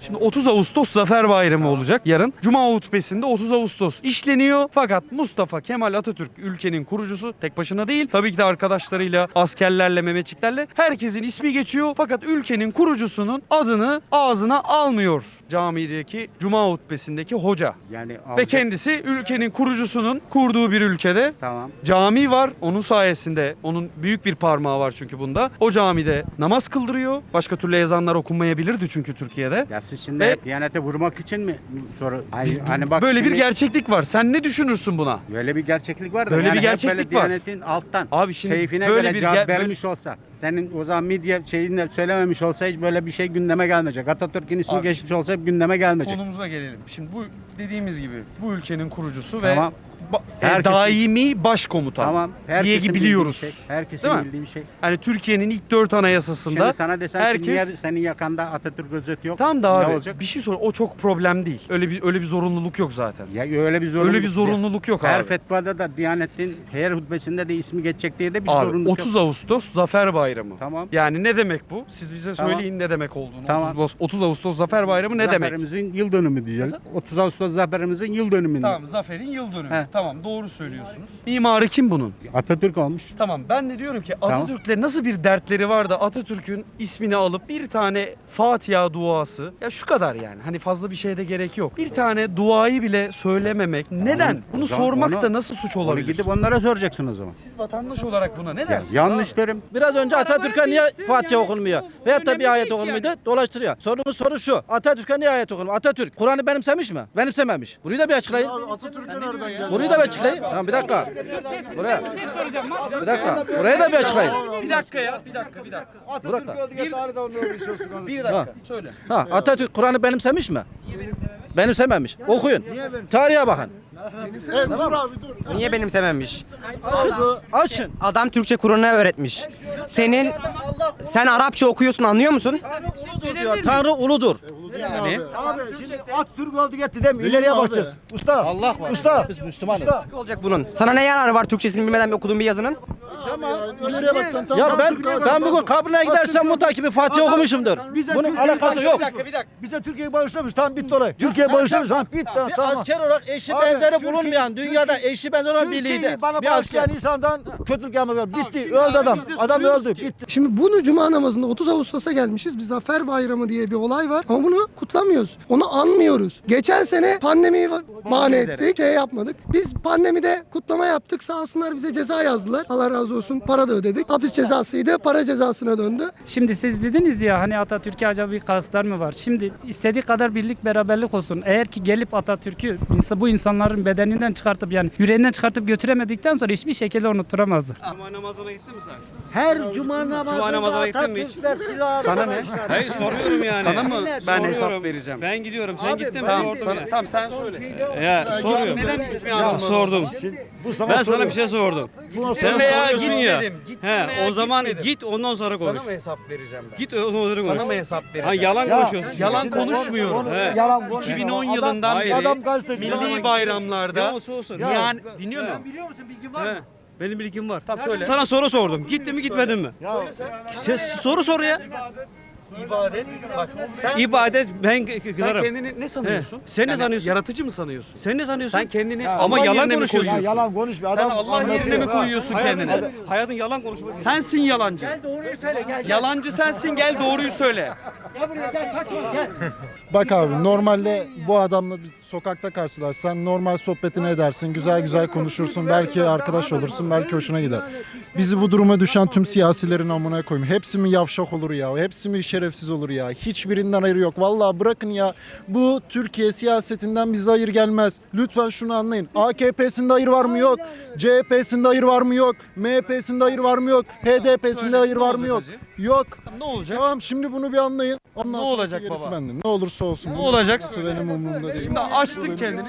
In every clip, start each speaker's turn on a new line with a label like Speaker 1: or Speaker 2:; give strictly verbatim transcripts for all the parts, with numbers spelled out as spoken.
Speaker 1: Şimdi otuz Ağustos Zafer Bayramı olacak yarın. Cuma hutbesinde otuz Ağustos işleniyor. Fakat Mustafa Kemal Atatürk ülkenin kurucusu, tek başına değil. Tabii ki de arkadaşlarıyla, askerlerle, Mehmetçiklerle herkesin ismi geçiyor. Fakat ülkenin kurucusunun adını ağzına almıyor camideki Cuma hutbesindeki hoca.
Speaker 2: Yani
Speaker 1: Ve
Speaker 2: alacak-
Speaker 1: kendisi ülkenin kurucusunun kurduğu bir ülkede
Speaker 2: Tamam.
Speaker 1: cami var. Onun sayesinde, onun büyük bir parmağı var çünkü bunda. O camide namaz kıldırıyor. Başka türlü ezanlar okunmayabilirdi çünkü Türkiye'de.
Speaker 2: Ya siz şimdi
Speaker 1: Ve-
Speaker 2: Diyanete vurmak için mi soru? Hani,
Speaker 1: Biz-
Speaker 2: hani bak
Speaker 1: böyle bir
Speaker 2: şimdi
Speaker 1: gerçeklik var. Sen ne düşünürsün buna?
Speaker 2: böyle bir gerçeklik var da
Speaker 1: Böyle
Speaker 2: yani
Speaker 1: bir
Speaker 2: hep
Speaker 1: gerçeklik
Speaker 2: böyle
Speaker 1: var.
Speaker 2: Diyanetin alttan
Speaker 1: Abi şimdi
Speaker 2: keyfine
Speaker 1: böyle
Speaker 2: göre
Speaker 1: bir
Speaker 2: cevap
Speaker 1: ger- böyle-
Speaker 2: vermiş olsa, senin o zaman medya şeyinde söylememiş olsa hiç böyle bir şey gündeme gelmeyecek. Atatürk'ün ismi
Speaker 1: Abi
Speaker 2: geçmiş olsa hep gündeme gelmeyecek.
Speaker 1: Konumuza gelelim. Şimdi bu dediğimiz gibi bu ülkenin kurucusu
Speaker 2: Tamam.
Speaker 1: ve ba- e,
Speaker 2: Herkesin-
Speaker 1: daimi başkomutan
Speaker 2: Tamam.
Speaker 1: diye
Speaker 2: Herkesin
Speaker 1: biliyoruz.
Speaker 2: bildiği bir şey. Herkesin
Speaker 1: Değil mi?
Speaker 2: bildiği bir şey.
Speaker 1: Hani Türkiye'nin ilk dört anayasasında
Speaker 2: Şimdi sana desem
Speaker 1: herkes
Speaker 2: ki niye senin yakanda Atatürk özeti yok?
Speaker 1: Tamam da
Speaker 2: ne
Speaker 1: abi
Speaker 2: olacak?
Speaker 1: bir şey sor. O çok problem değil. Öyle bir öyle bir zorunluluk yok zaten.
Speaker 2: Ya öyle bir zorunluluk.
Speaker 1: Öyle bir zorunluluk yok
Speaker 2: Her
Speaker 1: abi.
Speaker 2: fetvada da Diyanet'in her hutbesinde de ismi geçecek diye de bir
Speaker 1: Abi
Speaker 2: zorunluluk
Speaker 1: otuz
Speaker 2: yok.
Speaker 1: Ağustos Zafer Bayramı.
Speaker 2: Tamam.
Speaker 1: Yani ne demek bu? Siz bize
Speaker 2: Tamam.
Speaker 1: söyleyin ne demek olduğunu.
Speaker 2: Tamam.
Speaker 1: otuz, otuz Ağustos Zafer Bayramı ne demek?
Speaker 2: Zaferimizin yıl dönümü diyeceğiz. otuz Ağustos zaferimizin yıl dönümü.
Speaker 1: Tamam, zaferin yıl dönümü.
Speaker 2: He.
Speaker 1: Tamam, doğru söylüyorsunuz. Mimarı kim bunun?
Speaker 2: Atatürk olmuş.
Speaker 1: Tamam, ben de diyorum ki
Speaker 2: Tamam.
Speaker 1: Atatürk'le nasıl bir dertleri var da Atatürk'ün ismini alıp bir tane Fatiha duası, ya şu kadar yani, hani fazla bir şeye de gerek yok. Bir tane duayı bile söylememek neden?
Speaker 2: Onu-
Speaker 1: Bunu
Speaker 2: o zaman
Speaker 1: sormak
Speaker 2: onu-
Speaker 1: da nasıl suç
Speaker 2: Onu
Speaker 1: olabilir?
Speaker 2: gidip onlara soracaksın o zaman.
Speaker 1: Siz vatandaş olarak buna ne dersiniz?
Speaker 2: Yanlış derim.
Speaker 3: Biraz önce Atatürk'e niye
Speaker 4: bilsin
Speaker 3: Fatiha
Speaker 4: yani,
Speaker 3: okunmuyor?
Speaker 4: bu
Speaker 3: Veyahut da
Speaker 4: önemli
Speaker 3: bir ayet
Speaker 4: değil ki
Speaker 3: okunmuyordu,
Speaker 4: yani.
Speaker 3: dolaştırıyor. Sorumuz soru şu. Atatürk'e niye ayet okunmuyor? Atatürk Kur'an'ı benimsemiş mi? Benimsememiş. Burayı da bir açıklayın.
Speaker 5: Atatürk'e nereden geldi?
Speaker 3: Burayı da bir açıklayın. Tamam bir dakika. Buraya. Bir dakika. Burayı da bir açıklayın.
Speaker 1: Bir dakika ya, bir dakika, bir dakika.
Speaker 3: Bırak.
Speaker 1: Bir dakika, söyle.
Speaker 3: Ha, Atatürk Kur'an'ı benimsemiş mi? Benimsememiş. Okuyun. Tarihe bakın.
Speaker 5: Evet, dur abi dur.
Speaker 6: Niye benimsememiş?
Speaker 3: Açın.
Speaker 6: Adam Türkçe Kur'an'ı öğretmiş. Senin sen Arapça okuyorsun, anlıyor musun?
Speaker 3: Uludur diyor. Tanrı uludur.
Speaker 1: Yani
Speaker 5: Abi şimdi Atatürk oldu gitti değil mi? İleriye bakacağız. Usta.
Speaker 3: Allah var.
Speaker 5: Usta.
Speaker 3: Biz Müslümanız.
Speaker 6: Ne olacak bunun? Sana ne yararı var Türkçesini bilmeden okuduğun bir yazının?
Speaker 5: İleriye bak sen tam.
Speaker 3: Ya ben ben bugün kabrine gidersem mutlaka bir Fatiha okumuşumdur.
Speaker 5: Bize
Speaker 3: Bunun
Speaker 5: Türkiye'yi
Speaker 3: alakası yok.
Speaker 5: bağışlamış. Bize Türkiye'yi bağışlamış. Tamam bitti olay. Türkiye bağışlamış. Tamam bitti.
Speaker 3: Bir
Speaker 5: Tamam.
Speaker 3: asker olarak eşi
Speaker 5: Abi,
Speaker 3: benzeri
Speaker 5: Türkiye-
Speaker 3: bulunmayan, dünyada eşi benzeri olan bir lider.
Speaker 5: Türkiye'yi bana
Speaker 3: Bir asker.
Speaker 5: bağışlayan insandan kötülük yapmaz. Bitti. Öldü adam. Adam öldü. Bitti.
Speaker 7: Şimdi bunu Cuma namazında otuz Ağustos'a gelmişiz. Bir Zafer Bayramı diye bir olay var ama bunu kutlamıyoruz. Onu anmıyoruz. Geçen sene pandemiyi bahane ettik, şey yapmadık. Biz pandemide kutlama yaptık. Sağ olsunlar bize ceza yazdılar. Allah razı olsun. Para da ödedik. Hapis cezasıydı. Para cezasına döndü.
Speaker 4: Şimdi siz dediniz ya hani Atatürk'e acaba bir kasıtlar mı var? Şimdi istediği kadar birlik beraberlik olsun. Eğer ki gelip Atatürk'ü insa- bu insanların bedeninden çıkartıp yani yüreğinden çıkartıp götüremedikten sonra hiçbir şekilde unutturamazlar.
Speaker 1: Cuma namazına gittin mi sen?
Speaker 8: Her cuma namazında
Speaker 1: namazına gittin mi hiç?
Speaker 8: Atatürk'ler silahı
Speaker 1: Sana ne?
Speaker 9: Hayır soruyorum yani.
Speaker 1: Sana mı ben hesap
Speaker 9: Soruyorum.
Speaker 1: vereceğim?
Speaker 9: Ben gidiyorum. Sen gittin mi?
Speaker 1: Tamam,
Speaker 9: Sordum
Speaker 1: sana,
Speaker 9: ya.
Speaker 1: tamam sen söyle.
Speaker 9: Ya soruyorum.
Speaker 1: Neden ismi
Speaker 9: Ya,
Speaker 1: almadın?
Speaker 9: sordum.
Speaker 5: Bu sana
Speaker 9: Ben sana
Speaker 5: soruyor.
Speaker 9: bir şey sordum. Sen
Speaker 1: veya
Speaker 9: soruyorsun ya.
Speaker 1: gitmedim, gittim
Speaker 9: He,
Speaker 1: veya
Speaker 9: o zaman
Speaker 1: gitmedim.
Speaker 9: git ondan sonra konuş.
Speaker 1: Sana mı hesap vereceğim ben?
Speaker 9: Git ondan sonra konuş.
Speaker 1: Sana mı hesap vereceğim?
Speaker 9: Ha, yalan konuşuyorsun.
Speaker 1: Yalan
Speaker 5: Şimdi
Speaker 1: konuşmuyorum.
Speaker 5: onu-
Speaker 9: He.
Speaker 5: Yalan konuş.
Speaker 1: iki bin on
Speaker 5: Adam-
Speaker 1: yılından
Speaker 9: Hayır.
Speaker 1: beri
Speaker 5: Adam gazeteci.
Speaker 1: milli bayramlarda
Speaker 9: Ya olsun olsun.
Speaker 1: yani dinliyor musun?
Speaker 8: Biliyor musun bilgin var
Speaker 9: He.
Speaker 8: mı?
Speaker 9: Benim bilgim var.
Speaker 1: Tamam söyle.
Speaker 9: Sana soru sordum. Gittin mi gitmedin mi? Sen soru sor ya.
Speaker 1: İbadet. Bak sen
Speaker 9: İbadet ben
Speaker 1: sen
Speaker 9: kılarım.
Speaker 1: kendini ne sanıyorsun?
Speaker 9: He, sen ne sanıyorsun?
Speaker 1: Yaratıcı mı sanıyorsun?
Speaker 9: Sen ne sanıyorsun?
Speaker 1: Sen kendini
Speaker 9: Ama
Speaker 1: Allah
Speaker 9: yalan
Speaker 1: yerine mi
Speaker 9: konuşuyorsun.
Speaker 5: Ya
Speaker 1: koyuyorsun?
Speaker 5: yalan konuşma.
Speaker 1: Sen
Speaker 5: Adam
Speaker 1: Allah yerine
Speaker 5: anlatıyor.
Speaker 1: mi
Speaker 5: Ha.
Speaker 1: koyuyorsun kendini?
Speaker 9: Hayatın, hayatın yalan konuşmak.
Speaker 1: Sensin yalancı.
Speaker 8: Doğruyu söyle gel.
Speaker 1: Yalancı sensin, gel doğruyu söyle.
Speaker 8: Gel buraya gel kaçma gel.
Speaker 10: Bak abi normalde bu adamla bir sokakta karşılaşsan normal sohbetini edersin, güzel güzel konuşursun, belki arkadaş olursun, belki hoşuna gider. Bizi bu duruma düşen tüm siyasilerin amına koyayım. Hepsi mi yavşak olur ya, hepsi mi şerefsiz olur ya, hiçbirinden hayır yok. Vallahi bırakın ya, bu Türkiye siyasetinden bize hayır gelmez. Lütfen şunu anlayın. A K P'sinde hayır var mı yok, C H P'sinde hayır var mı yok, M H P'sinde hayır var mı yok, H D P'sinde
Speaker 1: Söyle,
Speaker 10: hayır
Speaker 1: ne
Speaker 10: var mı
Speaker 1: olacak
Speaker 10: yok.
Speaker 1: hacı?
Speaker 10: Yok.
Speaker 1: Ne olacak?
Speaker 10: Tamam şimdi bunu bir anlayın. Ondan
Speaker 1: Ne
Speaker 10: sonrası
Speaker 1: olacak
Speaker 10: gerisi
Speaker 1: baba?
Speaker 10: bende. Ne olursa olsun.
Speaker 1: Ne olacak?
Speaker 10: Benim umurumda değil.
Speaker 1: Şimdi açtık kendini.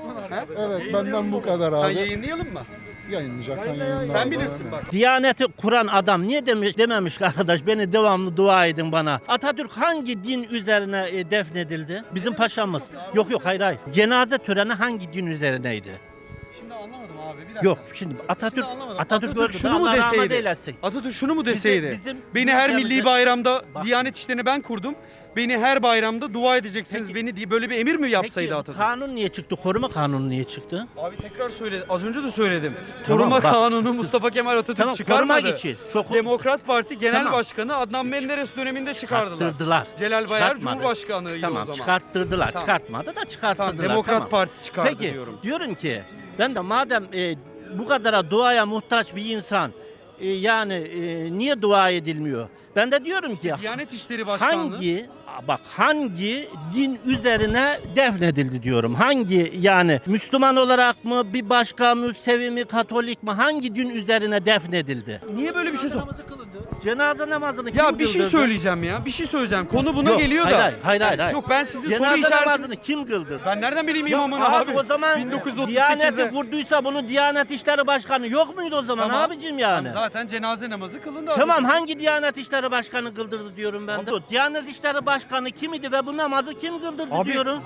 Speaker 10: Evet benden bu kadar
Speaker 1: Ha,
Speaker 10: abi.
Speaker 1: yayınlayalım mı?
Speaker 10: Yayınlayacaksan yayınla.
Speaker 1: Sen
Speaker 10: abi.
Speaker 1: bilirsin bak.
Speaker 3: Diyaneti kuran adam niye demiş dememiş ki arkadaş beni devamlı dua edin bana. Atatürk hangi din üzerine e, defnedildi? Bizim paşamız. Yok yok hayır hayır. Cenaze töreni hangi din üzerineydi?
Speaker 1: Şimdi anlamadım abi. Bir dakika.
Speaker 3: Yok şimdi Atatürk
Speaker 1: Şimdi anlamadım.
Speaker 3: Atatürk,
Speaker 1: Atatürk
Speaker 3: öldü.
Speaker 1: şunu mu
Speaker 3: Allah rahmet
Speaker 1: deseydi?
Speaker 3: eylesin.
Speaker 1: Atatürk şunu mu deseydi?
Speaker 3: bizim
Speaker 1: beni her
Speaker 3: ülkemizde-
Speaker 1: milli bayramda
Speaker 3: Bak-
Speaker 1: Diyanet işlerini ben kurdum. Beni her bayramda dua edeceksiniz
Speaker 3: Peki-
Speaker 1: beni diye böyle bir emir mi yapsaydı
Speaker 3: Peki bu
Speaker 1: Atatürk?
Speaker 3: kanun niye çıktı? Koruma kanunu niye çıktı?
Speaker 1: Abi tekrar söyle. Az önce de söyledim.
Speaker 3: Tamam,
Speaker 1: Koruma
Speaker 3: bak.
Speaker 1: Kanunu Mustafa Kemal Atatürk
Speaker 3: Tamam,
Speaker 1: çıkarmadı.
Speaker 3: korumak için. Çok-
Speaker 1: Demokrat Parti Genel
Speaker 3: Tamam.
Speaker 1: Başkanı Adnan Menderes döneminde çıkardılar.
Speaker 3: Çıkarttırdılar.
Speaker 1: Celal Bayar
Speaker 3: Çıkartmadı.
Speaker 1: Cumhurbaşkanıydı
Speaker 3: Tamam
Speaker 1: o zaman.
Speaker 3: çıkarttırdılar.
Speaker 1: Tamam.
Speaker 3: Çıkartmadı da çıkarttırdılar.
Speaker 1: Tamam, Demokrat
Speaker 3: tamam.
Speaker 1: Parti çıkardı
Speaker 3: Peki,
Speaker 1: diyorum.
Speaker 3: diyorum ki ben de madem e, bu kadara duaya muhtaç bir insan e, yani e, niye dua edilmiyor? Ben de diyorum ki
Speaker 1: Diyanet İşleri Başkanlığı.
Speaker 3: hangi bak hangi din üzerine defnedildi diyorum. Hangi yani Müslüman olarak mı bir başka Müsevi mi Katolik mi hangi din üzerine defnedildi?
Speaker 1: Niye böyle bir şey sor?
Speaker 3: Cenaze namazını kim
Speaker 1: Ya bir şey
Speaker 3: kıldırdı?
Speaker 1: söyleyeceğim ya. Bir şey söyleyeceğim. Konu buna
Speaker 3: Yok,
Speaker 1: geliyor
Speaker 3: hayır,
Speaker 1: da.
Speaker 3: Hayır hayır hayır. hayır.
Speaker 1: Yok ben sizin soru
Speaker 3: Cenaze
Speaker 1: işaretiniz.
Speaker 3: namazını kim kıldırdı?
Speaker 1: Ben nereden bileyim
Speaker 3: Yok
Speaker 1: imamını
Speaker 3: abi,
Speaker 1: abi?
Speaker 3: o zaman
Speaker 1: bin dokuz yüz otuz
Speaker 3: Diyaneti
Speaker 1: sekizde.
Speaker 3: kurduysa bunu Diyanet İşleri Başkanı yok muydu o zaman
Speaker 1: Tamam.
Speaker 3: abicim yani?
Speaker 1: Tamam, zaten cenaze namazı kılındı.
Speaker 3: Tamam
Speaker 1: abi.
Speaker 3: hangi Diyanet İşleri Başkanı kıldırdı diyorum ben de. Diyanet İşleri Başkanı kim idi ve bu namazı kim kıldırdı
Speaker 1: Abi-
Speaker 3: diyorum.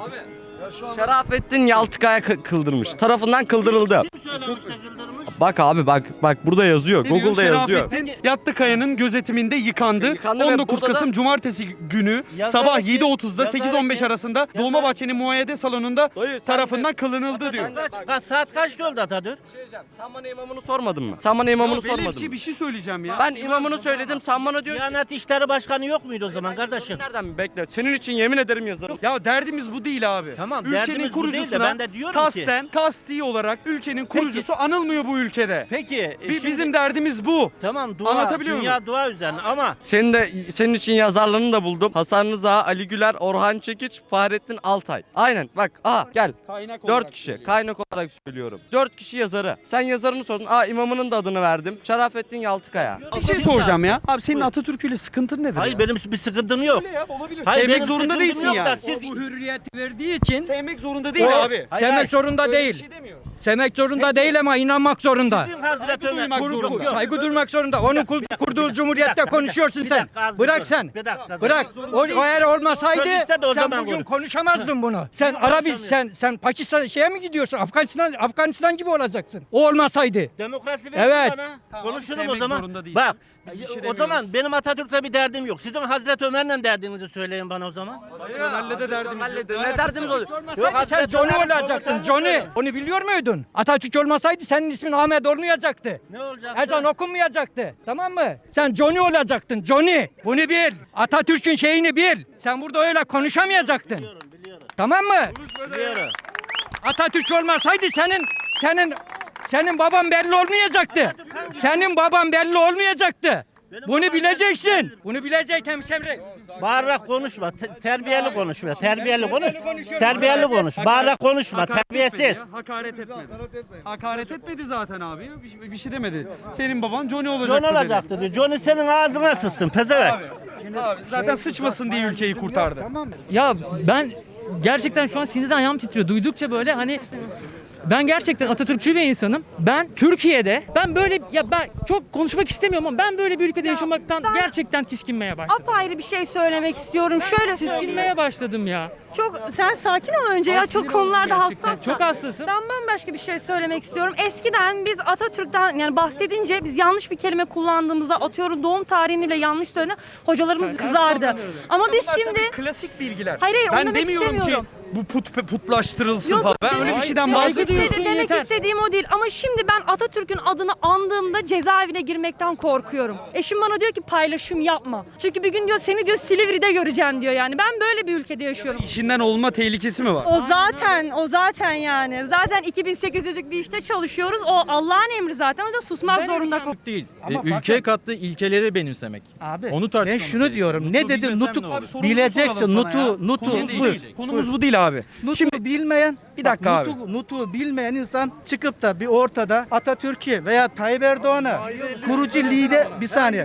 Speaker 6: Şerafettin Yaltıkaya kı- kıldırmış. Tarafından kıldırıldı.
Speaker 3: Kim söylemiş de kıldırmış?
Speaker 6: Bak abi bak bak burada yazıyor.
Speaker 1: Ne diyor?
Speaker 6: Google'da yazıyor.
Speaker 1: Şerafettin Yattı
Speaker 6: E,
Speaker 1: gözetiminde yıkandı.
Speaker 6: yıkandı ve
Speaker 1: on dokuz
Speaker 6: burada da-
Speaker 1: Kasım Cumartesi günü
Speaker 3: Yazarak
Speaker 1: sabah
Speaker 3: ki-
Speaker 1: yedi otuzda
Speaker 3: yazarak
Speaker 1: sekiz on beş
Speaker 3: ki-
Speaker 1: arasında Dolmabahçe'nin muayede salonunda
Speaker 6: Dayı, sen
Speaker 1: tarafından
Speaker 6: de-
Speaker 1: kılınıldı diyor.
Speaker 3: Kaç, kaç saat kaçta öldü Atatürk?
Speaker 6: Sen bana imamını sormadın mı? Sen bana imamını
Speaker 1: Ya Velev
Speaker 6: sormadın
Speaker 1: ki
Speaker 6: mı?
Speaker 1: bir şey söyleyeceğim ya.
Speaker 6: Ben imamını söyledim. Sen bana diyorsun.
Speaker 3: Diyanet İşleri Başkanı yok muydu o zaman kardeşim?
Speaker 6: Nereden mi? Bekle. Senin için yemin ederim yazarım.
Speaker 1: Ya derdimiz bu değil abi.
Speaker 3: Tamam,
Speaker 1: Ülkenin
Speaker 3: derdimiz bu değil de
Speaker 1: kurucusuna
Speaker 3: ben de diyorum ki-
Speaker 1: kasten, kasti olarak ülkenin kurucusu anılmıyor bu ülkede.
Speaker 3: Peki. e,
Speaker 1: Bi-
Speaker 3: şimdi-
Speaker 1: Bizim derdimiz bu.
Speaker 3: Tamam dua,
Speaker 1: Anlatabiliyor
Speaker 3: dünya
Speaker 1: muyum?
Speaker 3: dua üzerine ama
Speaker 6: Senin de senin için yazarlarını da buldum. Hasan Rıza, Ali Güler, Orhan Çekiç, Fahrettin Altay. Aynen bak. Aha gel.
Speaker 1: Kaynak
Speaker 6: Dört
Speaker 1: olarak
Speaker 6: kişi.
Speaker 1: söylüyor.
Speaker 6: Kaynak olarak söylüyorum. Dört kişi yazarı. Sen yazarını sordun. Aa imamının da adını verdim. Şerafettin Yaltıkaya.
Speaker 1: Bir şey soracağım ya. Abi senin Atatürk'üyle sıkıntın nedir
Speaker 3: hayır
Speaker 1: ya?
Speaker 3: benim bir sıkıntım yok.
Speaker 1: Öyle ya olabilir.
Speaker 3: Hayır,
Speaker 1: Sevmek
Speaker 3: benim
Speaker 1: zorunda
Speaker 3: sıkıntım
Speaker 1: değilsin
Speaker 3: yok da
Speaker 1: yani.
Speaker 3: siz-
Speaker 8: Bu hürriyeti verdiği için
Speaker 1: Sevmek zorunda değil
Speaker 8: o
Speaker 1: abi.
Speaker 3: Hayır,
Speaker 8: sevmek
Speaker 3: hayır.
Speaker 8: zorunda
Speaker 1: Öyle bir
Speaker 8: değil.
Speaker 1: şey demiyoruz.
Speaker 8: Sevmek zorunda değil ama inanmak zorunda.
Speaker 3: Sizin Hazreti
Speaker 1: Saygı
Speaker 3: Ömer
Speaker 1: duymak
Speaker 3: kurdu-
Speaker 1: zorunda.
Speaker 3: Yok,
Speaker 8: Saygı duymak zorunda. Onun kur- kurduğu cumhuriyette konuşuyorsun
Speaker 3: bir
Speaker 8: sen.
Speaker 3: dakika, az bir
Speaker 8: Bırak
Speaker 3: dur.
Speaker 8: sen.
Speaker 3: Bir dakika,
Speaker 8: Bırak.
Speaker 3: zorunda
Speaker 8: O, o eğer olmasaydı
Speaker 3: Söylese de o
Speaker 8: sen
Speaker 3: zaman
Speaker 8: bugün
Speaker 3: konuş.
Speaker 8: konuşamazdın bunu. Sen
Speaker 3: Niye
Speaker 8: Arabis
Speaker 3: konuşamıyorum?
Speaker 8: sen sen Pakistan şeye mi gidiyorsun? Afganistan Afganistan gibi olacaksın. O olmasaydı.
Speaker 3: Demokrasi
Speaker 8: Evet.
Speaker 3: ver bana.
Speaker 1: Tamam,
Speaker 3: Konuşurum o
Speaker 1: sevmek
Speaker 3: zaman.
Speaker 1: zorunda değilsin.
Speaker 3: Bak.
Speaker 1: Biz bir şey
Speaker 3: o
Speaker 1: demiyoruz.
Speaker 3: zaman benim Atatürk'le bir derdim yok. Sizin Hazreti Ömer'le derdinizi söyleyin bana o zaman.
Speaker 1: Ömer'le de derdimiz yok.
Speaker 6: Ne derdimiz olur?
Speaker 8: Olmasaydı sen
Speaker 3: Hazreti
Speaker 8: Johnny
Speaker 3: Ömer'in
Speaker 8: olacaktın.
Speaker 3: komutanı
Speaker 8: Johnny.
Speaker 3: söyle.
Speaker 8: Onu biliyor muydun? Atatürk olmasaydı senin ismin Ahmet olmayacaktı.
Speaker 3: Ne olacak?
Speaker 8: Ezan okunmayacaktı. Tamam mı? Sen Johnny olacaktın. Johnny. Bunu bil. Atatürk'ün şeyini bil. Sen burada öyle konuşamayacaktın. Tamam mı?
Speaker 3: Biliyorum.
Speaker 8: Atatürk olmasaydı senin senin senin baban belli olmayacaktı. Senin baban belli olmayacaktı. Bunu bileceksin. Bunu bilecek hemşehri.
Speaker 3: Bağırarak konuşma. te- terbiyeli konuşma. Terbiyeli konuş. Terbiyeli konuş. Bağırarak konuşma.
Speaker 1: Hakaret etmedi
Speaker 3: Terbiyesiz.
Speaker 1: ya, Hakaret etmedi. Hakaret etmedi zaten abi. Bir, şey- bir şey demedi. Senin baban Johnny olacaktı
Speaker 3: John
Speaker 1: dedi.
Speaker 3: olacaktı diyor. Johnny senin ağzına sıçsın pezevenk.
Speaker 1: Abi, zaten sıçmasın diye ülkeyi kurtardı.
Speaker 11: Ya ben gerçekten şu an sinirden ayağım titriyor. Duydukça böyle hani ben gerçekten Atatürkçü bir insanım. Ben Türkiye'de ben böyle ya ben çok konuşmak istemiyorum ama ben böyle bir ülkede yaşamaktan gerçekten tiskinmeye başladım.
Speaker 12: Apayrı bir şey söylemek istiyorum. Şöyle söyleyeyim.
Speaker 11: Tiskinmeye başladım ya.
Speaker 12: Çok sen sakin ol önce ya.
Speaker 11: Ay,
Speaker 12: Çok
Speaker 11: sinir
Speaker 12: konularda
Speaker 11: oldum gerçekten.
Speaker 12: hassasım.
Speaker 11: Çok hassasım.
Speaker 12: Ben bambaşka bir şey söylemek istiyorum. Eskiden biz Atatürk'ten yani bahsedince biz yanlış bir kelime kullandığımızda atıyorum doğum tarihini bile yanlış söyledi. Hocalarımız kızardı. Ama biz
Speaker 1: Bunlar
Speaker 12: şimdi
Speaker 1: tabii klasik bilgiler.
Speaker 12: Hayır, hayır, onu
Speaker 1: ben
Speaker 12: demek
Speaker 1: demiyorum ki
Speaker 12: istemiyorum.
Speaker 1: bu put putlaştırılsın
Speaker 12: Yok,
Speaker 1: falan. Ben
Speaker 12: demek-
Speaker 1: öyle bir şeyden
Speaker 11: Saygı
Speaker 1: bahsetmiyorum.
Speaker 11: duyuyorsun,
Speaker 12: demek
Speaker 11: yeter.
Speaker 12: istediğim o değil. Ama şimdi ben Atatürk'ün adını andığımda cezaevine girmekten korkuyorum. Eşim bana diyor ki paylaşım yapma. Çünkü bir gün diyor seni diyor Silivri'de göreceğim diyor yani. Ben böyle bir ülkede yaşıyorum.
Speaker 1: İşinden olma tehlikesi mi var?
Speaker 12: O zaten, o zaten yani. Zaten iki bin sekiz yüzlük bir işte çalışıyoruz. O Allah'ın emri zaten. O yüzden susmak zorunda kalıyoruz.
Speaker 9: Değil. ülkeye kattığı ilkeleri benimsemek.
Speaker 5: Abi
Speaker 9: Onu
Speaker 5: ben
Speaker 9: tartışmamız
Speaker 5: şunu
Speaker 9: gerekiyor.
Speaker 5: diyorum. Ne
Speaker 9: Nutu
Speaker 5: dedim?
Speaker 9: bilmesem
Speaker 5: Nutuk
Speaker 9: ne olur?
Speaker 1: Abi sorumuzu
Speaker 5: bileceksin.
Speaker 1: soralım sana ya.
Speaker 5: Nutu, nutu.
Speaker 1: Konumuz
Speaker 5: buyur.
Speaker 1: değil. Konumuz bu değil abi.
Speaker 5: Nutu bilmeyen,
Speaker 1: Bir dakika
Speaker 5: bak,
Speaker 1: abi.
Speaker 5: nutu, nutu bilmeyen insan çıkıp da bir ortada Atatürk'ü veya Tayyip Erdoğan'ı kurucu lider bir saniye.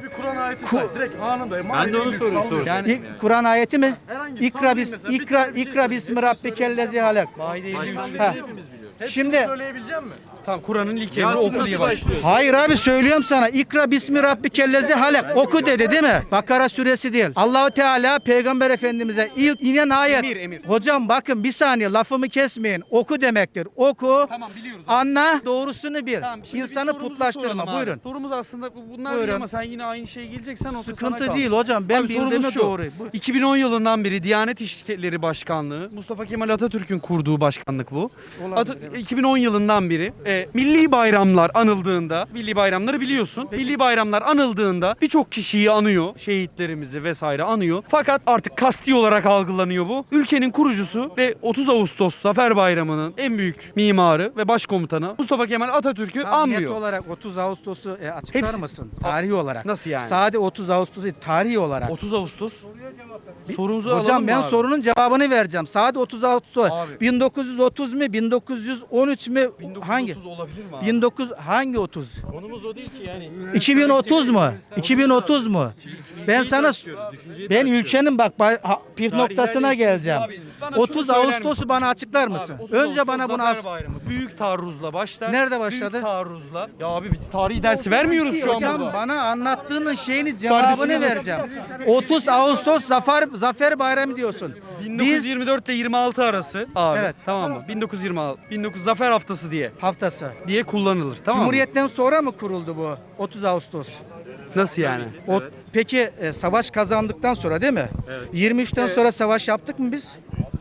Speaker 9: Ben de onu soruyorum.
Speaker 1: Yani
Speaker 5: İ- Kur'an ayeti mi? İkra bis ikra ikra bismi rabbikellezi halak.
Speaker 1: Maide elli üç.
Speaker 5: Ha. Şimdi
Speaker 1: Söyleyebilecek misin? Tamam, Kur'an'ın ilk emri oku diye başlıyor.
Speaker 5: hayır abi söylüyorum sana. İkra bismi rabbikellezi halak. Oku dedi değil mi? Bakara suresi değil. Allahu Teala Peygamber Efendimiz'e ilk inen ayet.
Speaker 1: Emir, emir.
Speaker 5: Hocam bakın bir saniye lafımı kesmeyin. Oku demektir. Oku.
Speaker 1: Tamam, biliyoruz.
Speaker 5: Anla, doğrusunu bil.
Speaker 1: Tamam, şimdi bir
Speaker 5: İnsanı
Speaker 1: sorumuzu
Speaker 5: putlaştırma.
Speaker 1: soralım abi.
Speaker 5: Buyurun.
Speaker 1: Sorumuz aslında bunlar
Speaker 5: Buyurun.
Speaker 1: değil ama sen yine aynı şeye geleceksen o da sana
Speaker 5: Sıkıntı
Speaker 1: kalmış.
Speaker 5: değil hocam. Ben
Speaker 1: Abi sorumuz
Speaker 5: bildiğime
Speaker 1: şu.
Speaker 5: doğru. Bu-
Speaker 1: iki bin on yılından beri Diyanet İşleri Başkanlığı, Mustafa Kemal Atatürk'ün kurduğu başkanlık bu. At- iki bin on yılından beri e, milli bayramlar anıldığında, milli bayramları biliyorsun. Milli bayramlar anıldığında birçok kişiyi anıyor, şehitlerimizi vesaire anıyor. Fakat artık kasti olarak algılanıyor bu. Ülkenin kurucusu ve otuz Ağustos Zafer Bayramı'nın en büyük mimarı ve başkomutanı Mustafa Kemal Atatürk'ü
Speaker 5: Tam net
Speaker 1: anmıyor.
Speaker 5: olarak otuz Ağustos'u e, açıklar
Speaker 1: Hepsi-
Speaker 5: mısın? Tarihi olarak.
Speaker 1: Nasıl yani?
Speaker 5: Sade otuz Ağustos değil, tarihi olarak.
Speaker 1: otuz Ağustos. Sorumuzu alalım
Speaker 5: Hocam
Speaker 1: mı
Speaker 5: ben
Speaker 1: abi?
Speaker 5: sorunun cevabını vereceğim. Sade otuz Ağustos.
Speaker 1: Abi.
Speaker 5: bin dokuz yüz otuz mu? bin dokuz yüz on üç mü? Hangi?
Speaker 1: bin dokuz yüz otuz olabilir mi abi?
Speaker 5: bin dokuz hangi otuz? Konumuz o değil ki yani. iki bin otuz mu? iki bin otuz mu? Ben sana ben ülkenin bak ba- ha- pif noktasına geleceğim.
Speaker 1: Abi, bana şunu
Speaker 5: otuz
Speaker 1: söyler
Speaker 5: Ağustos'u
Speaker 1: misin?
Speaker 5: bana açıklar mısın?
Speaker 1: Abi, otuz
Speaker 5: Önce
Speaker 1: Ağustos
Speaker 5: bana bunu
Speaker 1: Zafer
Speaker 5: as-
Speaker 1: Bayramı büyük taarruzla başlar.
Speaker 5: Nerede başladı?
Speaker 1: Büyük taarruzla. Ya abi biz tarihi dersi vermiyoruz şu an
Speaker 5: Hocam
Speaker 1: burada.
Speaker 5: bana anlattığının şeyini cevabını
Speaker 1: Kardeşim,
Speaker 5: vereceğim. otuz Ağustos Zafer Zafer Bayramı diyorsun.
Speaker 1: bin dokuz yüz
Speaker 5: Biz
Speaker 1: yirmi dört ile yirmi altı arası abi.
Speaker 5: Evet.
Speaker 1: Tamam mı? bin dokuz yüz yirmi altı. bin dokuz Zafer Haftası diye
Speaker 5: haftası.
Speaker 1: diye kullanılır. Tamam mı?
Speaker 5: Cumhuriyetten sonra mı kuruldu bu otuz Ağustos?
Speaker 1: Nasıl yani?
Speaker 5: O, peki e, savaş kazandıktan sonra değil mi? yirmi üçten sonra savaş yaptık mı biz?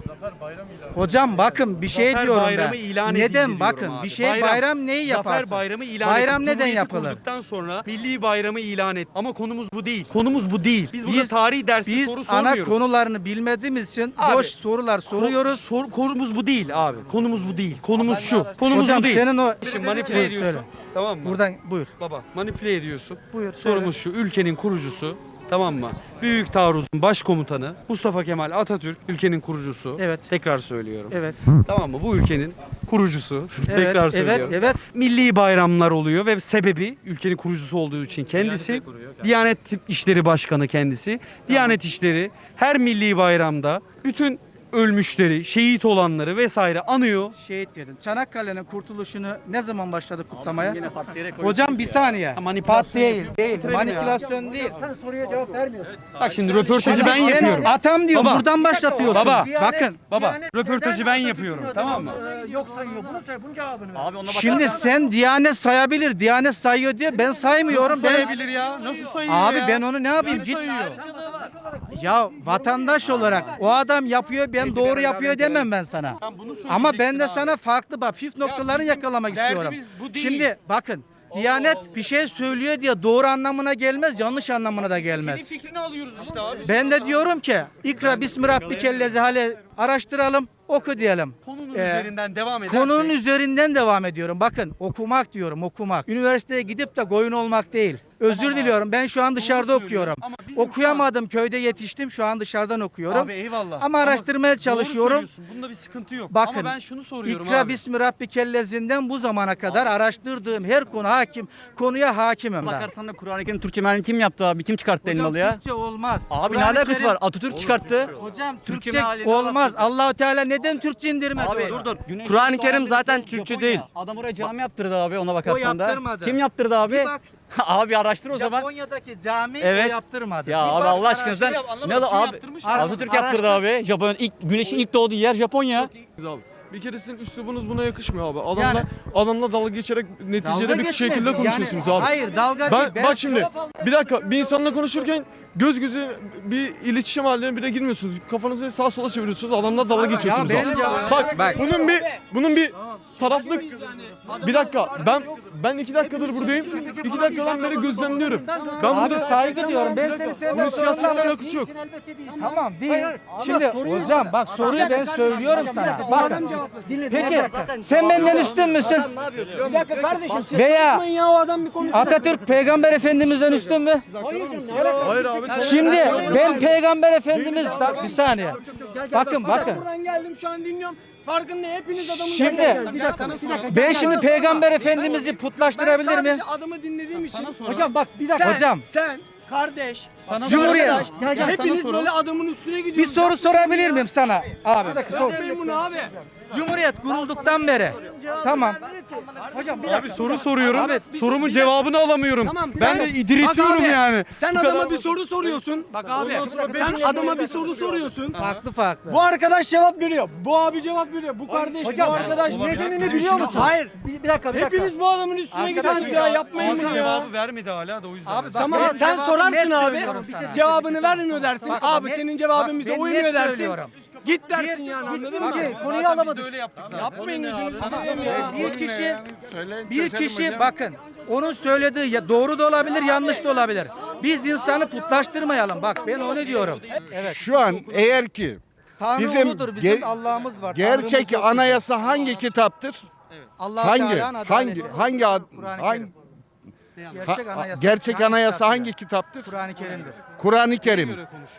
Speaker 5: Hocam bakın bir şey
Speaker 1: Zafer
Speaker 5: diyorum
Speaker 1: Bayramı
Speaker 5: ben.
Speaker 1: ilan edildi
Speaker 5: Neden
Speaker 1: diyorum
Speaker 5: bakın
Speaker 1: abi.
Speaker 5: bir şey bayram, neyi yaparsın?
Speaker 1: Zafer Bayramı ilan
Speaker 5: Bayram
Speaker 1: edip
Speaker 5: neden
Speaker 1: Cumhuriyeti
Speaker 5: yapılır?
Speaker 1: kurduktan sonra Milli Bayramı ilan et. Ama konumuz bu değil. Konumuz bu değil. Biz burada
Speaker 5: Biz-
Speaker 1: tarihi dersi
Speaker 5: Biz
Speaker 1: soru
Speaker 5: ana
Speaker 1: sormuyoruz.
Speaker 5: konularını bilmediğimiz için
Speaker 1: Abi,
Speaker 5: boş sorular soruyoruz.
Speaker 1: Sor, konumuz bu değil abi. Konumuz bu değil. Konumuz şu. Konumuz
Speaker 5: Hocam
Speaker 1: bu değil.
Speaker 5: senin o
Speaker 1: Şimdi manipüle
Speaker 5: Buyur,
Speaker 1: ediyorsun.
Speaker 5: söyle.
Speaker 1: Tamam mı?
Speaker 5: Buradan buyur.
Speaker 1: Baba manipüle ediyorsun.
Speaker 5: Buyur,
Speaker 1: Sorumuz şu. Ülkenin kurucusu, tamam mı? Büyük taarruzun başkomutanı Mustafa Kemal Atatürk, ülkenin kurucusu.
Speaker 5: Evet.
Speaker 1: Tekrar söylüyorum.
Speaker 5: Evet.
Speaker 1: Tamam mı? Bu ülkenin kurucusu.
Speaker 5: Evet,
Speaker 1: Tekrar
Speaker 5: evet,
Speaker 1: söylüyorum.
Speaker 5: evet.
Speaker 1: Milli bayramlar oluyor ve sebebi ülkenin kurucusu olduğu için kendisi. Diyanet İşleri Başkanı kendisi. Diyanet İşleri her milli bayramda bütün ölmüşleri, şehit olanları vesaire anıyor.
Speaker 5: Şehit dedin. Çanakkale'nin kurtuluşunu ne zaman başladık kutlamaya? Hocam bir saniye.
Speaker 1: manipülasyon
Speaker 5: Pat değil,
Speaker 1: yapıyor.
Speaker 5: değil.
Speaker 1: Bitirelim
Speaker 5: Manipülasyon değil.
Speaker 1: Bak şimdi röportajı
Speaker 5: Şimdi
Speaker 1: ben
Speaker 5: sen
Speaker 1: yapıyorum.
Speaker 5: Atam diyor,
Speaker 1: Baba.
Speaker 5: buradan başlatıyorsun.
Speaker 1: Baba.
Speaker 5: Bakın.
Speaker 1: Baba röportajı ben yapıyorum, tamam mı?
Speaker 11: Yok sayıyor. Bunu say, bunun cevabını ver. Abi ona
Speaker 5: Şimdi sen Diyanet sayabilir, Diyanet sayıyor diye ben saymıyorum.
Speaker 1: Nasıl
Speaker 5: Ben
Speaker 1: sayabilir ya? Nasıl sayıyor
Speaker 5: Abi
Speaker 1: ya?
Speaker 5: ben onu ne yapayım?
Speaker 1: Yani
Speaker 5: Git.
Speaker 1: sayıyor.
Speaker 5: Ya vatandaş olarak o adam yapıyor, ben doğru yapıyor demem ben sana.
Speaker 1: Tamam, bunu
Speaker 5: Ama ben de
Speaker 1: söyleyeceksin abi.
Speaker 5: sana farklı bak püf noktalarını
Speaker 1: bizim
Speaker 5: yakalamak
Speaker 1: derdimiz
Speaker 5: istiyorum.
Speaker 1: bu değil.
Speaker 5: Şimdi bakın Diyanet bir şey söylüyor diye doğru anlamına gelmez, yanlış anlamına da gelmez.
Speaker 1: Senin fikrini alıyoruz işte abi.
Speaker 5: Ben de diyorum ki ikra bismi rabbikellezi hale araştıralım, oku diyelim.
Speaker 1: Konunun
Speaker 5: Ee,
Speaker 1: üzerinden devam edersek.
Speaker 5: Konunun üzerinden devam ediyorum. Bakın okumak diyorum, okumak. Üniversiteye gidip de koyun olmak değil. Özür diliyorum. Ben şu an dışarıda
Speaker 1: söylüyorum.
Speaker 5: okuyorum.
Speaker 1: Ama bizim
Speaker 5: Okuyamadım. Köyde yetiştim. Şu an dışarıdan okuyorum.
Speaker 1: Abi eyvallah.
Speaker 5: Ama araştırmaya
Speaker 1: doğru
Speaker 5: çalışıyorum.
Speaker 1: söylüyorsun. Bunda bir sıkıntı yok.
Speaker 5: Bakın,
Speaker 1: Ama ben şunu soruyorum
Speaker 5: İkra
Speaker 1: abi.
Speaker 5: bismi rabbikellazinden bu zamana kadar araştırdığım her konu hakim, konuya hakimim ben.
Speaker 9: Bakarsan da Kur'an-ı Kerim Türkçe mealini kim yaptı abi? Kim çıkarttı
Speaker 5: Hocam
Speaker 9: elmalı ya?
Speaker 5: Türkçe olmaz.
Speaker 9: Abi ne
Speaker 5: Kur'an-ı
Speaker 9: alakası
Speaker 5: Kerim-
Speaker 9: var? Atatürk çıkarttı.
Speaker 5: Hocam
Speaker 9: Türkçe
Speaker 5: Türkçe
Speaker 9: mealini
Speaker 5: olmaz. Allahu Teala neden Türkçe indirmedi?
Speaker 9: Abi
Speaker 5: onu?
Speaker 9: dur dur. Güneş
Speaker 6: Kur'an-ı
Speaker 9: Kutlu
Speaker 6: Kerim
Speaker 9: abi
Speaker 6: zaten
Speaker 9: Japonya.
Speaker 6: Türkçe değil.
Speaker 9: Adam oraya cami yaptırdı abi ona bakarsan da.
Speaker 5: yaptırmadı.
Speaker 9: Kim yaptırdı abi?
Speaker 5: Bir bak.
Speaker 9: Abi araştır o zaman.
Speaker 5: Japonya'daki cami
Speaker 9: Evet.
Speaker 5: o yaptırmadı.
Speaker 9: Ya
Speaker 5: Bir
Speaker 9: abi
Speaker 5: bak,
Speaker 9: Allah
Speaker 5: araştır.
Speaker 9: aşkına sen
Speaker 1: Yap, anlamadım.
Speaker 9: ne
Speaker 1: Kim
Speaker 9: abi?
Speaker 1: yaptırmış?
Speaker 9: Atatürk yaptırdı
Speaker 5: Araştır.
Speaker 9: abi. Japonya ilk güneşin ilk doğduğu yer Japonya.
Speaker 13: Abi. Bir kere sizin üslubunuz buna yakışmıyor abi. Adamla
Speaker 5: Yani-
Speaker 13: adamla dalga geçerek neticede
Speaker 5: Dalga
Speaker 13: bir
Speaker 5: geçmek.
Speaker 13: şekilde
Speaker 5: Yani-
Speaker 13: konuşuyorsunuz abi.
Speaker 5: Hayır dalga değil.
Speaker 13: Ben, bak şimdi bir dakika bir insanla konuşurken göz göze bir iletişim haline bile girmiyorsunuz. Kafanızı sağa sola çeviriyorsunuz. Adamla dalga geçiyorsunuz
Speaker 5: Ya
Speaker 13: abi.
Speaker 5: benim cevabım-
Speaker 13: Bak, bunun bir bunun bir taraflık bir dakika ben ben iki dakikadır buradayım. İki dakikadan beri gözlemliyorum. Ben
Speaker 5: Abi
Speaker 13: burada
Speaker 5: saygı diyorum. Ben seni
Speaker 13: bunun
Speaker 5: sevmem.
Speaker 13: siyasetle alakası yok.
Speaker 5: Tamam değil. Şimdi hocam bak soruyu ben söylüyorum sana. Bakın. Peki sen benden üstün müsün?
Speaker 8: Bir dakika kardeşim siz
Speaker 5: Veya
Speaker 8: konuşmayın ya o adam bir konuşsun.
Speaker 5: Atatürk Peygamber Efendimizden üstün mü?
Speaker 13: Hayır abi.
Speaker 5: Şimdi ben Peygamber Efendimiz da, bir saniye. Bakın bakın.
Speaker 8: Buradan geldim şu an dinliyorum. Farkında hepiniz adamı
Speaker 5: Şimdi
Speaker 8: dinliyorsunuz. Bir dakika, bir dakika.
Speaker 5: ben şimdi Peygamber Efendimiz'i
Speaker 8: Ben
Speaker 5: putlaştırabilir
Speaker 8: sadece
Speaker 5: miyim?
Speaker 8: adamı dinlediğim için.
Speaker 11: Hocam bak bir dakika.
Speaker 8: Sen,
Speaker 5: Hocam.
Speaker 8: sen, kardeş,
Speaker 1: Sana
Speaker 5: Cumhuriyet.
Speaker 1: arkadaş,
Speaker 11: Gel gel sana
Speaker 8: hepiniz
Speaker 11: sorun.
Speaker 8: böyle adamın üstüne
Speaker 5: Bir
Speaker 8: gidiyorsunuz.
Speaker 5: soru sorabilir miyim sana abi?
Speaker 8: Yapmayın bunu abi.
Speaker 5: Cumhuriyet kurulduktan beri Tamam. Hocam bir
Speaker 1: Abi soru soruyorum.
Speaker 5: Abi,
Speaker 1: Sorumun cevabını alamıyorum.
Speaker 8: Tamam,
Speaker 1: ben
Speaker 8: sen-
Speaker 1: de diretiyorum
Speaker 8: Bak abi,
Speaker 1: yani.
Speaker 8: Sen
Speaker 1: Bu
Speaker 8: adama
Speaker 1: kadar-
Speaker 8: bir soru soruyorsun. Bak abi. Sen adama bir soru soruyorsun.
Speaker 5: farklı farklı.
Speaker 8: Bu arkadaş cevap veriyor. Bu abi cevap veriyor. Bu kardeş, bu arkadaş nedenini biliyor musun? Hayır.
Speaker 5: Bir, bir dakika bir dakika.
Speaker 8: Hepiniz bu adamın üstüne
Speaker 5: Arkadaş
Speaker 8: gidiyorsunuz ya. Yapmayın
Speaker 1: Ağzı
Speaker 8: bunu ya.
Speaker 1: cevabı vermedi hala da o yüzden.
Speaker 5: Abi bak,
Speaker 8: Tamam
Speaker 5: ben
Speaker 8: sen
Speaker 5: cevabı
Speaker 8: sorarsın
Speaker 5: net
Speaker 8: abi.
Speaker 5: söylüyorum sana.
Speaker 8: Cevabını vermiyor dersin.
Speaker 5: Bak,
Speaker 8: Abi
Speaker 5: net-
Speaker 8: senin cevabın
Speaker 5: bak,
Speaker 8: bize
Speaker 5: ben
Speaker 8: uymuyor
Speaker 5: net
Speaker 8: dersin.
Speaker 5: söylüyorum.
Speaker 8: Git dersin yani anladın mı?
Speaker 5: Ki konuyu
Speaker 1: Biz
Speaker 5: alamadık.
Speaker 1: de öyle yaptık zaten.
Speaker 8: Yapmayın gözünüzü
Speaker 5: Tamam.
Speaker 8: seveyim ya.
Speaker 5: Bir kişi
Speaker 10: Söyleyin,
Speaker 5: bir
Speaker 10: çözelim
Speaker 5: kişi
Speaker 10: hocam.
Speaker 5: bakın onun söylediği ya doğru da olabilir, yanlış da olabilir. Biz insanı putlaştırmayalım. Bak ben onu diyorum. Evet.
Speaker 10: Şu an eğer ki
Speaker 5: Tanrı
Speaker 10: bizim
Speaker 5: uludur, bizim
Speaker 10: ge-
Speaker 5: Allah'ımız var.
Speaker 10: gerçek
Speaker 5: Tanrımız yok.
Speaker 10: anayasa hangi kitaptır?
Speaker 5: Allah
Speaker 10: Hangi
Speaker 5: Teala'nın
Speaker 10: hangi
Speaker 5: adaleti.
Speaker 10: hangi ad-
Speaker 5: Kur'an-ı
Speaker 10: hangi
Speaker 5: Kerim.
Speaker 10: ha-
Speaker 5: Gerçek anayasa,
Speaker 10: gerçek
Speaker 5: hangi
Speaker 10: anayasa
Speaker 5: kitaptır?
Speaker 10: hangi kitaptır?
Speaker 5: Kur'an-ı Kerim'dir.
Speaker 10: Kur'an-ı Kerim.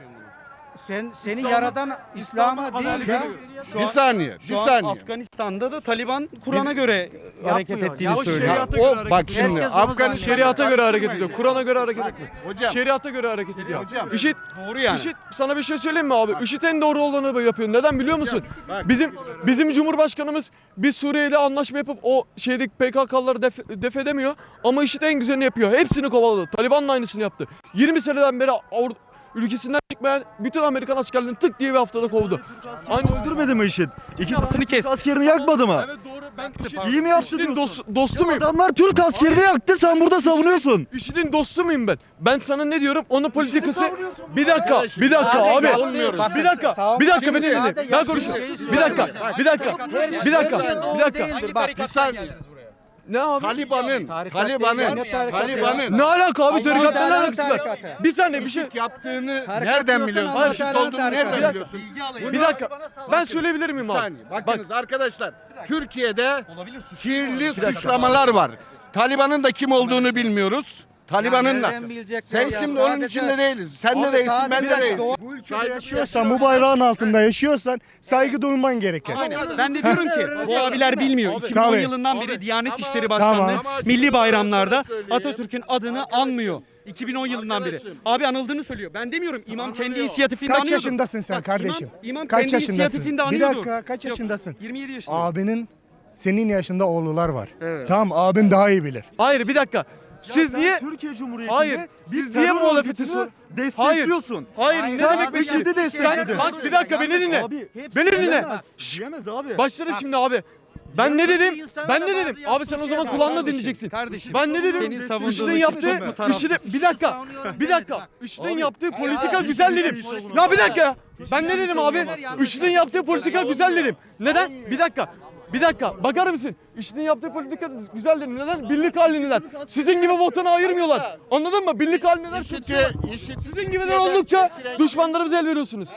Speaker 5: Sen seni yaradan İslam'a değil ya.
Speaker 10: Bir saniye, bir
Speaker 1: Şu an
Speaker 10: saniye.
Speaker 1: Afganistan'da da Taliban Kur'an'a göre hareket
Speaker 5: Yapmıyor.
Speaker 1: ettiğini
Speaker 5: Ya o
Speaker 1: söylüyor.
Speaker 10: Ya o bak şimdi
Speaker 5: Herkes onu
Speaker 10: Afganistan
Speaker 5: zannediyor.
Speaker 13: Şeriata göre hareket ediyor. Kur'an'a göre hareket etmiyor.
Speaker 10: hocam
Speaker 13: Şeriata göre hareket ediyor.
Speaker 10: Hocam.
Speaker 13: IŞİD,
Speaker 1: Doğru yani.
Speaker 13: IŞİD sana bir şey söyleyeyim mi abi? IŞİD en doğru olanı yapıyor. Neden biliyor musun?
Speaker 10: bak.
Speaker 13: Bizim bizim Cumhurbaşkanımız biz Suriye ile anlaşma yapıp o şeydeki P K K'ları def, def edemiyor. Ama IŞİD en güzelini yapıyor. Hepsini kovaladı. Taliban'la aynısını yaptı. yirmi seneden beri Avru- ülkesinden çıkmayan bütün Amerikan askerlerini tık diye bir haftada kovdu. Aynı
Speaker 9: Öldürmedi mi IŞİD?
Speaker 1: Kafasını kes.
Speaker 9: Askerini yakmadı mı?
Speaker 13: Evet doğru. Ben
Speaker 9: İyi mi yaptı
Speaker 13: IŞİD'in
Speaker 9: diyorsun?
Speaker 13: dost, dostu muyum?
Speaker 9: Adamlar Türk askerini yaktı, sen burada savunuyorsun.
Speaker 13: IŞİD'in dostu muyum ben? Ben sana ne diyorum? Onun politikası... Bir dakika, bir dakika abi.
Speaker 10: savunmuyoruz.
Speaker 13: Bir dakika, bir dakika beni dinle.
Speaker 5: Sadece
Speaker 13: Ben
Speaker 5: yaptığı
Speaker 13: konuşayım.
Speaker 5: şeyi
Speaker 13: Bir dakika,
Speaker 5: söylüyor.
Speaker 13: bir dakika, bir dakika, bir dakika.
Speaker 5: Değildir. Bak
Speaker 10: bir saniye.
Speaker 13: Ne abi?
Speaker 10: Taliban'ın
Speaker 5: Tarikat değil,
Speaker 10: Taliban'ın
Speaker 5: ne tarikatı
Speaker 10: Taliban'ın
Speaker 13: Ne alaka abi? Tarikatla ne
Speaker 5: Teala'nın
Speaker 13: alakası var?
Speaker 5: tarikatı.
Speaker 13: Bir saniye bir şey...
Speaker 10: yaptığını
Speaker 5: Tarikat
Speaker 10: nereden
Speaker 5: diyorsan
Speaker 10: biliyorsun?
Speaker 5: Allah
Speaker 10: IŞİD
Speaker 5: Teala'nın
Speaker 10: olduğunu
Speaker 5: tarikatı.
Speaker 10: nereden biliyorsun?
Speaker 13: Bir dakika. Ben söyleyebilir miyim
Speaker 10: Bir
Speaker 13: abi?
Speaker 10: saniye.
Speaker 13: Bak,
Speaker 10: Bakınız arkadaşlar Türkiye'de kirli suçlamalar var. Taliban'ın da kim olduğunu bilmiyoruz. Taliban'ın da.
Speaker 5: nereden bilecekler
Speaker 10: Sen
Speaker 5: ya?
Speaker 10: şimdi onun
Speaker 5: Sadece-
Speaker 10: içinde değiliz. Sen de
Speaker 5: Abi
Speaker 10: değilsin,
Speaker 5: sadece
Speaker 10: ben
Speaker 5: bir
Speaker 10: de
Speaker 5: dakika,
Speaker 10: değilsin.
Speaker 5: bu
Speaker 10: ülkede
Speaker 9: Yaşıyorsan, bu bayrağın altında yaşıyorsan saygı duyman gerekir.
Speaker 1: Ben de diyorum ki bu abiler bilmiyor. iki bin on
Speaker 9: Tabii.
Speaker 1: yılından beri
Speaker 13: Abi.
Speaker 1: Diyanet İşleri Başkanlığı
Speaker 10: Tamam.
Speaker 1: milli bayramlarda
Speaker 10: söyleyeyim.
Speaker 1: Atatürk'ün adını anmıyor. iki bin on yılından beri.
Speaker 10: Arkadaşım.
Speaker 1: Abi anıldığını söylüyor. Ben demiyorum. İmam kendi inisiyatifinde
Speaker 9: Kaç
Speaker 1: anıyordur.
Speaker 9: yaşındasın sen
Speaker 1: Bak,
Speaker 9: kardeşim?
Speaker 1: İmam, imam
Speaker 9: Kaç
Speaker 1: kendi
Speaker 9: yaşındasın?
Speaker 1: inisiyatifinde
Speaker 9: Bir
Speaker 1: anıyordur.
Speaker 9: dakika, kaç
Speaker 1: Yok,
Speaker 9: yaşındasın?
Speaker 1: yirmi yedi yaşındayım.
Speaker 9: Abinin senin yaşında oğlular var.
Speaker 1: Evet.
Speaker 9: Tamam, abin daha iyi bilir.
Speaker 13: Hayır bir dakika. Siz niye...
Speaker 9: Türkiye Cumhuriyeti'nde
Speaker 13: Hayır. Siz niye muhalefeti sor?
Speaker 9: destekliyorsun?
Speaker 13: Hayır.
Speaker 5: Hayır,
Speaker 13: Ne demek
Speaker 5: abi,
Speaker 13: bir şey?
Speaker 9: IŞİD'i
Speaker 13: Sen
Speaker 9: destekledin.
Speaker 13: bak bir dakika beni dinle.
Speaker 9: Abi,
Speaker 13: Beni dinle.
Speaker 9: diyemez, diyemez abi.
Speaker 13: Başlarım şimdi abi. Ben ne dedim?
Speaker 5: insanın
Speaker 13: Ben
Speaker 5: da
Speaker 13: ne
Speaker 5: bazı
Speaker 13: dedim? Abi sen o zaman
Speaker 5: yaptığı
Speaker 13: kulağınla
Speaker 5: şeyler-
Speaker 13: dinleyeceksin.
Speaker 1: Kardeşim,
Speaker 13: Ben ne dedim?
Speaker 1: senin savunduğun
Speaker 13: IŞİD'in
Speaker 1: şey
Speaker 13: yaptığı,
Speaker 1: çok mu tarafsız?
Speaker 13: IŞİD'in bir dakika.
Speaker 5: Savunuyorum
Speaker 13: Bir dakika.
Speaker 5: demedim, bak.
Speaker 13: IŞİD'in yaptığı politika
Speaker 5: abi,
Speaker 13: güzel
Speaker 5: hiçbir
Speaker 13: dedim.
Speaker 5: şey
Speaker 13: Ya bir dakika ya. Ben ne dedim abi?
Speaker 5: söylüyorlar, yanlış
Speaker 13: IŞİD'in yaptığı politika güzel dedim. Neden? Bir dakika. Bir dakika. Bakar mısın? IŞİD'in yaptığı politika güzel dedim. Neden? Birlik halindeler. Sizin gibi vatanı ayırmıyorlar. Anladın mı? Birlik halindeler.
Speaker 10: IŞİD'e IŞİD
Speaker 13: Sizin gibiler oldukça düşmanlarımıza el veriyorsunuz.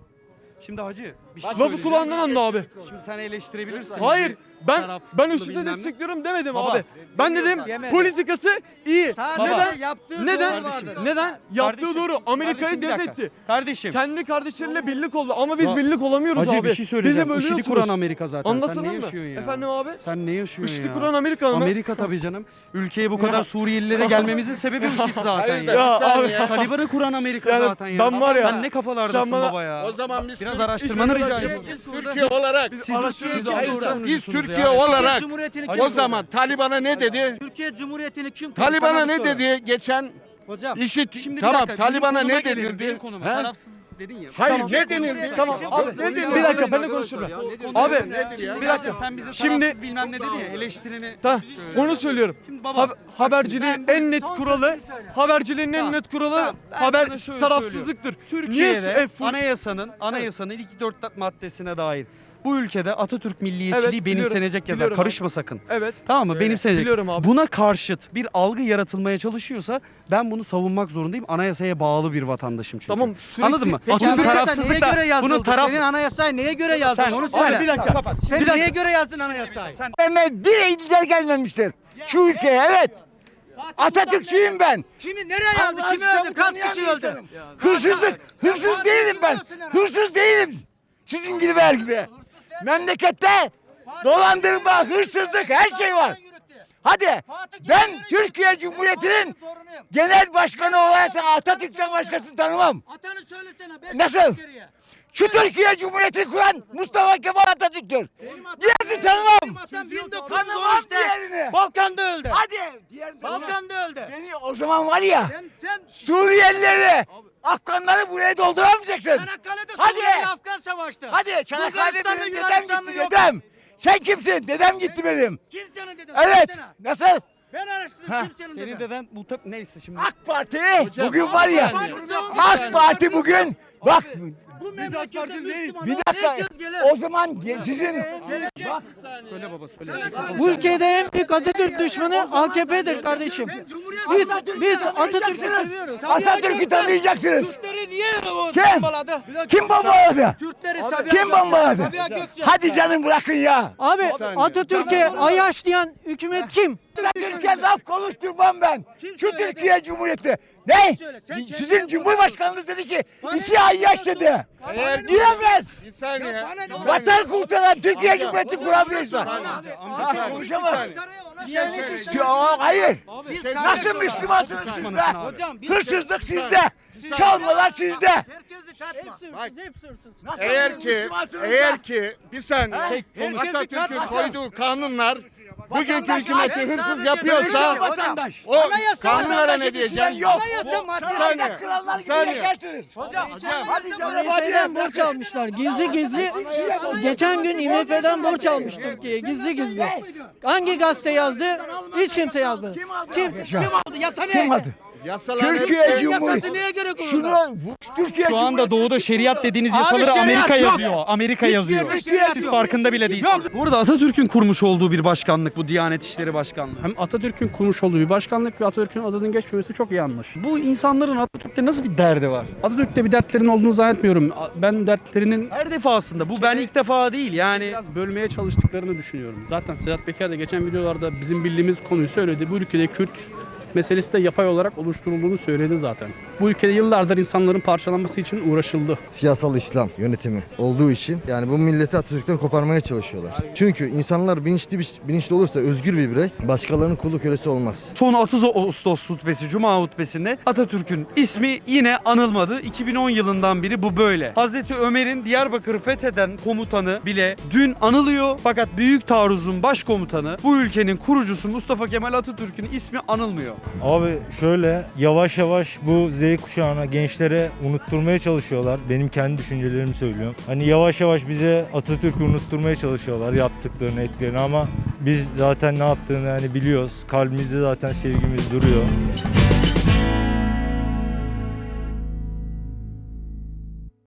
Speaker 1: Şimdi hacı bir şey
Speaker 13: Lafı
Speaker 1: söyleyeceğim.
Speaker 13: kulağından anla abi.
Speaker 1: Şimdi sen eleştirebilirsin.
Speaker 13: Hayır. Ben
Speaker 1: Taraflı
Speaker 13: ben IŞİD'i
Speaker 1: bilmem ne.
Speaker 13: destekliyorum demedim
Speaker 1: Baba.
Speaker 13: abi. Ben dedim
Speaker 5: Yemedim.
Speaker 13: politikası iyi.
Speaker 5: Sadece
Speaker 13: Neden?
Speaker 5: yaptığı
Speaker 13: Neden?
Speaker 5: doğru vardır.
Speaker 13: Neden? Yaptığı
Speaker 1: Kardeşim,
Speaker 13: doğru. Amerika'yı
Speaker 1: kardeşim, bir
Speaker 13: def
Speaker 1: dakika.
Speaker 13: etti.
Speaker 1: Kardeşim.
Speaker 13: Kendi kardeşleriyle birlik oldu ama biz
Speaker 1: Ya,
Speaker 13: birlik olamıyoruz
Speaker 1: Hacı
Speaker 13: abi.
Speaker 1: bir şey söyleyeceğim.
Speaker 13: Bizi
Speaker 1: IŞİD'i
Speaker 13: bölüyorsunuz.
Speaker 1: kuran Amerika zaten.
Speaker 13: Anlasana
Speaker 1: Sen ne
Speaker 13: mı?
Speaker 1: yaşıyorsun ya?
Speaker 13: Efendim abi?
Speaker 1: Sen ne yaşıyorsun
Speaker 13: IŞİD'i
Speaker 1: ya?
Speaker 13: kuran Amerika mı?
Speaker 1: Amerika tabii canım. Ülkeye bu kadar Suriyelilere gelmemizin sebebi IŞİD zaten ya.
Speaker 13: Ya abi.
Speaker 1: Taliban'ı kuran Amerika
Speaker 13: Yani
Speaker 1: zaten ya.
Speaker 13: ben var ya,
Speaker 1: Sen ne kafalardasın
Speaker 13: sen bana-
Speaker 1: baba ya.
Speaker 10: O zaman biz
Speaker 1: Biraz
Speaker 10: Türk-
Speaker 1: araştırmanı
Speaker 13: İşte
Speaker 1: rica
Speaker 13: şey-
Speaker 1: ediyorum.
Speaker 10: Türkiye olarak
Speaker 1: Siz
Speaker 13: araştırıyoruz
Speaker 1: siz
Speaker 13: abi.
Speaker 1: doğru
Speaker 10: biz
Speaker 1: savunuyorsunuz
Speaker 10: Türkiye
Speaker 1: yani.
Speaker 10: olarak
Speaker 5: Cumhuriyeti'ni
Speaker 10: o
Speaker 5: kim
Speaker 10: zaman Taliban'a ne dedi?
Speaker 5: Türkiye Cumhuriyeti'ni kim
Speaker 10: Taliban'a
Speaker 5: Sana bir
Speaker 10: ne
Speaker 5: soru.
Speaker 10: dedi geçen
Speaker 5: Hocam
Speaker 10: IŞİD
Speaker 1: Şimdi bir
Speaker 10: tamam
Speaker 1: dakika, benim
Speaker 10: Taliban'a
Speaker 1: konuma
Speaker 10: ne
Speaker 1: gelelim, benim
Speaker 10: denildi?
Speaker 1: konuma.
Speaker 13: He?
Speaker 1: Tarafsız dedin ya.
Speaker 10: Hayır
Speaker 13: Tamam.
Speaker 10: ne denildi?
Speaker 13: Tamam abi
Speaker 10: ne denildi?
Speaker 13: bir dakika ben de konuşurum. Abi bir dakika.
Speaker 1: Sen bize
Speaker 13: Şimdi-
Speaker 1: tarafsız bilmem ne dedin ya eleştirini.
Speaker 13: Ta,
Speaker 1: söyle.
Speaker 13: onu söylüyorum.
Speaker 1: Şimdi baba,
Speaker 13: Hab- haberciliğin en net kuralı, haberciliğin en
Speaker 1: Tamam,
Speaker 13: net kuralı
Speaker 1: tamam. Ben
Speaker 13: haber
Speaker 1: sana şöyle
Speaker 13: tarafsızlıktır.
Speaker 1: Türkiye'de
Speaker 13: Niye? e, fu-
Speaker 1: anayasanın anayasanın ilk dört maddesine dair bu ülkede Atatürk milliyetçiliği
Speaker 13: Evet, biliyorum,
Speaker 1: benimsenecek yazar.
Speaker 13: biliyorum
Speaker 1: Karışma sakın.
Speaker 13: Evet.
Speaker 1: Tamam mı? Benimsenecek.
Speaker 13: Biliyorum abi.
Speaker 1: Buna karşıt bir algı yaratılmaya çalışıyorsa ben bunu savunmak zorundayım. Anayasaya bağlı bir vatandaşım çünkü.
Speaker 13: Tamam, sürekli-
Speaker 1: Anladın mı?
Speaker 5: Peki
Speaker 1: Bunun
Speaker 5: anayasa neye
Speaker 1: tarafsızlıkla
Speaker 5: göre yazıldı?
Speaker 1: bunun taraf
Speaker 5: Senin anayasayı neye göre yazdın?
Speaker 1: Sen-
Speaker 5: Onu
Speaker 1: Abi
Speaker 5: söyle.
Speaker 13: bir dakika.
Speaker 1: Kapat.
Speaker 5: Sen
Speaker 1: Bir dakika.
Speaker 5: neye göre yazdın anayasayı?
Speaker 1: Sen
Speaker 9: Bir iktidar gelmemiştir. Şu ülkeye evet. Atatürkçüyüm ben.
Speaker 5: Kimi nereye yazdı? Kimi öldü? Kaç kişi öldü?
Speaker 9: Hırsızlık, hırsız değilim ben. Hırsız değilim. Sizin gibi vergide. Memlekette dolandırma, hırsızlık her şey var. Hadi ben Türkiye Cumhuriyeti'nin genel başkanı olarak Atatürk'ten başkasını tanımam.
Speaker 5: Atanı söylesene. beş
Speaker 9: Nasıl?
Speaker 5: dakika geriye.
Speaker 9: Şu Türkiye Cumhuriyeti kuran Mustafa Kemal Atatürk'tür. Diğerini tanımam. Tanımam diğerini.
Speaker 5: Balkan'da öldü.
Speaker 9: Hadi. Diğerini tanımam.
Speaker 5: Balkan'da öldü.
Speaker 9: Beni o zaman var ya
Speaker 5: Sen, sen
Speaker 9: Suriyelileri, Afganları buraya dolduramayacaksın.
Speaker 5: Çanakkale'de
Speaker 9: Hadi.
Speaker 5: Suriye ile Afgan savaştı.
Speaker 9: Hadi Çanakkale'de
Speaker 5: Bulgaristan'da,
Speaker 9: benim dedem
Speaker 5: Yunanistan'da
Speaker 9: gitti
Speaker 5: yok.
Speaker 9: dedem. Sen kimsin? Dedem gitti benim.
Speaker 5: Kimsenin dedesi.
Speaker 9: Evet.
Speaker 5: Kimsenin.
Speaker 9: Nasıl?
Speaker 5: Ben araştırdım
Speaker 9: Ha.
Speaker 5: kimsenin
Speaker 1: Senin
Speaker 5: dedesi.
Speaker 1: deden bu tab- neyse şimdi.
Speaker 9: AK Parti bugün var ya. AK Parti bugün bak
Speaker 5: Bu memlekette Müslüman
Speaker 9: bir
Speaker 5: olan
Speaker 9: dakika.
Speaker 5: herkes gelir.
Speaker 9: O zaman ge- sizin bak
Speaker 1: Söyle baba söyle.
Speaker 11: Bu ülkede en büyük Atatürk düşmanı A K P'dir kardeşim. Biz biz Atatürk'ü seviyoruz.
Speaker 9: Atatürk'ü tanıyacaksınız.
Speaker 5: Kürtleri niye o
Speaker 9: Kim?
Speaker 5: bombaladı?
Speaker 9: Kim bombaladı?
Speaker 5: Kürtleri Sabiha
Speaker 9: Kim bombaladı?
Speaker 5: Sabiha Gökçen.
Speaker 9: Hadi canım bırakın ya.
Speaker 11: Abi Atatürk'e ayaşlayan hükümet kim?
Speaker 9: Türkiye laf konuşturmam ben.
Speaker 5: Kim
Speaker 9: Şu
Speaker 5: söyledi?
Speaker 9: Türkiye Cumhuriyeti. Ne?
Speaker 5: söyle? Sen kendin
Speaker 9: Sizin
Speaker 5: konuş.
Speaker 9: Cumhurbaşkanınız dedi ki iki ay yaş dedi. Diyemez.
Speaker 10: Bir saniye.
Speaker 9: Vatan kurtaran Türkiye Cumhuriyeti kuramıyorsa.
Speaker 10: Amca
Speaker 9: Konuşamaz.
Speaker 5: Ona söyle.
Speaker 9: Yok hayır.
Speaker 5: Biz
Speaker 9: Nasıl
Speaker 5: kardeşiz.
Speaker 9: Müslümansınız siz
Speaker 1: Düşmanısın
Speaker 9: be?
Speaker 1: abi.
Speaker 5: Hocam biz
Speaker 9: Hırsızlık sizde. Çalmalar sizde.
Speaker 5: herkesi katma.
Speaker 11: Hepsi hırsız.
Speaker 9: Nasıl
Speaker 10: Eğer ki
Speaker 9: Müslümansınız
Speaker 10: eğer
Speaker 9: be?
Speaker 10: ki bir saniye
Speaker 5: Herkesi
Speaker 10: Atatürk'ün
Speaker 5: katma.
Speaker 10: koyduğu kanunlar bugünkü
Speaker 9: Vatandaş
Speaker 10: hükümeti
Speaker 9: sadece
Speaker 10: hırsız
Speaker 5: sadece
Speaker 10: yapıyorsa
Speaker 5: hocam.
Speaker 9: Vatandaş.
Speaker 10: o
Speaker 5: Anayasa
Speaker 10: kanunlara
Speaker 9: vatandaşı
Speaker 10: ne
Speaker 9: düşünen
Speaker 10: diyeceğim?
Speaker 9: yok.
Speaker 5: Anayasa madde.
Speaker 10: Bir saniye.
Speaker 9: Krallar
Speaker 10: Bir
Speaker 9: gibi
Speaker 10: saniye.
Speaker 9: yaşarsınız.
Speaker 5: Hocam
Speaker 9: Hadi canım
Speaker 11: I M F'den
Speaker 9: hadi.
Speaker 11: borç almışlar. Gizli gizli. Geçen gün I M F'den borç almış Türkiye. Gizli gizli. Hangi gazete yazdı? Hiç kimse yazmadı. Kim?
Speaker 5: Kim aldı? Yasa neye?
Speaker 9: Kim aldı?
Speaker 10: Yasalar
Speaker 9: Türkiye
Speaker 5: Yasası
Speaker 9: Cumhuriyeti.
Speaker 5: neye göre kuruldu?
Speaker 9: Şunu bu Türkiye
Speaker 1: Şu anda
Speaker 9: Cumhuriyeti.
Speaker 1: doğuda şeriat dediğiniz
Speaker 5: Abi
Speaker 1: yasaları
Speaker 5: şeriat
Speaker 1: Amerika
Speaker 5: yok.
Speaker 1: yazıyor. Amerika
Speaker 5: Hiçbir
Speaker 1: yazıyor.
Speaker 5: yerde şeriat
Speaker 1: Siz
Speaker 5: yok.
Speaker 1: farkında bile değilsiniz. Burada Atatürk'ün kurmuş olduğu bir başkanlık bu Diyanet İşleri Başkanlığı.
Speaker 14: Hem Atatürk'ün kurmuş olduğu bir başkanlık ve Atatürk'ün adının geçmemesi çok yanlış.
Speaker 1: Bu insanların Atatürk'te nasıl bir derdi var?
Speaker 14: Atatürk'te bir dertlerinin olduğunu zannetmiyorum. Ben dertlerinin
Speaker 1: Her defasında bu ben ilk defa değil yani.
Speaker 14: biraz bölmeye çalıştıklarını düşünüyorum. Zaten Sedat Peker de geçen videolarda bizim bildiğimiz konuyu söyledi. Bu ülkede Kürt meselesi de yapay olarak oluşturulduğunu söyledi zaten. Bu ülkede yıllardır insanların parçalanması için uğraşıldı.
Speaker 15: Siyasal İslam yönetimi olduğu için yani bu milleti Atatürk'ten koparmaya çalışıyorlar. Çünkü insanlar bilinçli bilinçli olursa özgür bir birey başkalarının kulu kölesi olmaz.
Speaker 1: Son otuz Ağustos hutbesi, Cuma hutbesinde Atatürk'ün ismi yine anılmadı. iki bin on yılından beri bu böyle. Hazreti Ömer'in Diyarbakır'ı fetheden komutanı bile dün anılıyor. Fakat Büyük Taarruz'un başkomutanı, bu ülkenin kurucusu Mustafa Kemal Atatürk'ün ismi anılmıyor.
Speaker 16: Abi şöyle yavaş yavaş bu Z kuşağına, gençlere unutturmaya çalışıyorlar. Benim kendi düşüncelerimi söylüyorum. Hani yavaş yavaş bize Atatürk'ü unutturmaya çalışıyorlar yaptıklarını, ettiklerini ama biz zaten ne yaptığını hani biliyoruz. Kalbimizde zaten sevgimiz duruyor.